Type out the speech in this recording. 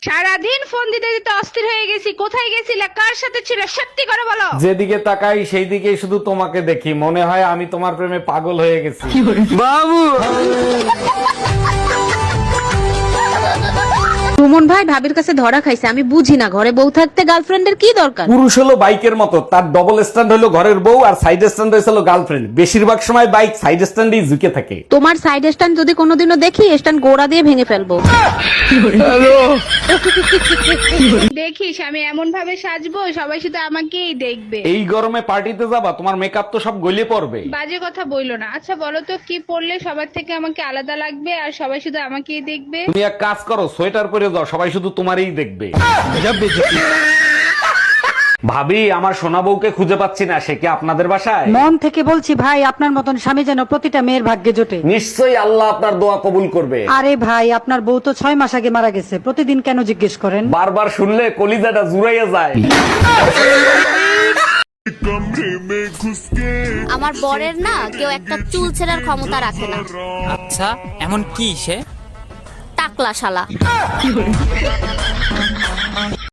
সারাদিন ফোন দিতে দিতে অস্থির হয়ে গেছি। কোথায় গেছিলে, কার সাথে ছিলে, সত্যি করে বলো। যেদিকে তাকাই সেই দিকেই শুধু তোমাকে দেখি, মনে হয় আমি তোমার প্রেমে পাগল হয়ে গেছি। সুমন ভাই ভাবির কাছে ধরা খাইছে, আমি বুঝি না ঘরে বউ থাকতে গার্লফ্রেন্ডের কি দরকার। পুরুষ হলো বাইকের মতো, তার ডবল স্ট্যান্ড হলো ঘরের বউ আর সাইড স্ট্যান্ড হয়েছিল গার্লফ্রেন্ড। বেশিরভাগ সময় বাইক সাইড স্ট্যান্ডেই ঝুঁকে থাকে। তোমার সাইড স্ট্যান্ড যদি কোনোদিনও দেখি, স্ট্যান্ড গোড়া দিয়ে ভেঙে ফেলবো। দেখিস আমি এমন ভাবে সাজবো সবাই শুধু আমাকেই দেখবে। এই গরমে পার্টিতে যাবা, তোমার মেকআপ তো সব গলে পড়বে। বাজে কথা বইলো না। আচ্ছা বলো তো কি পরলে সবার থেকে আমাকে আলাদা লাগবে আর সবাই শুধু আমাকেই দেখবে? তুমি এক কাজ করো, সোয়েটার পরে যাও, সবাই শুধু তোমারই দেখবে। ভাবি, আমার সোনা বউকে খুঁজে পাচ্ছি না, সে কি আপনাদের বাসায়? মন থেকে বলছি ভাই, আপনার মতন স্বামী যেন প্রতিটা মেয়ের ভাগ্যে জোটে। নিশ্চয়ই আল্লাহ আপনার দোয়া কবুল করবে। আরে ভাই, আপনার বউ তো 6 মাস আগে মারা গেছে, প্রতিদিন কেন জিজ্ঞেস করেন? বারবার শুনলে কলিজাটা জুড়াইয়া যায়। আমার বরের না কেউ একটা চুল ছেঁড়ার ক্ষমতা রাখে না। আচ্ছা, এমন কি সে? টাকলা শালা।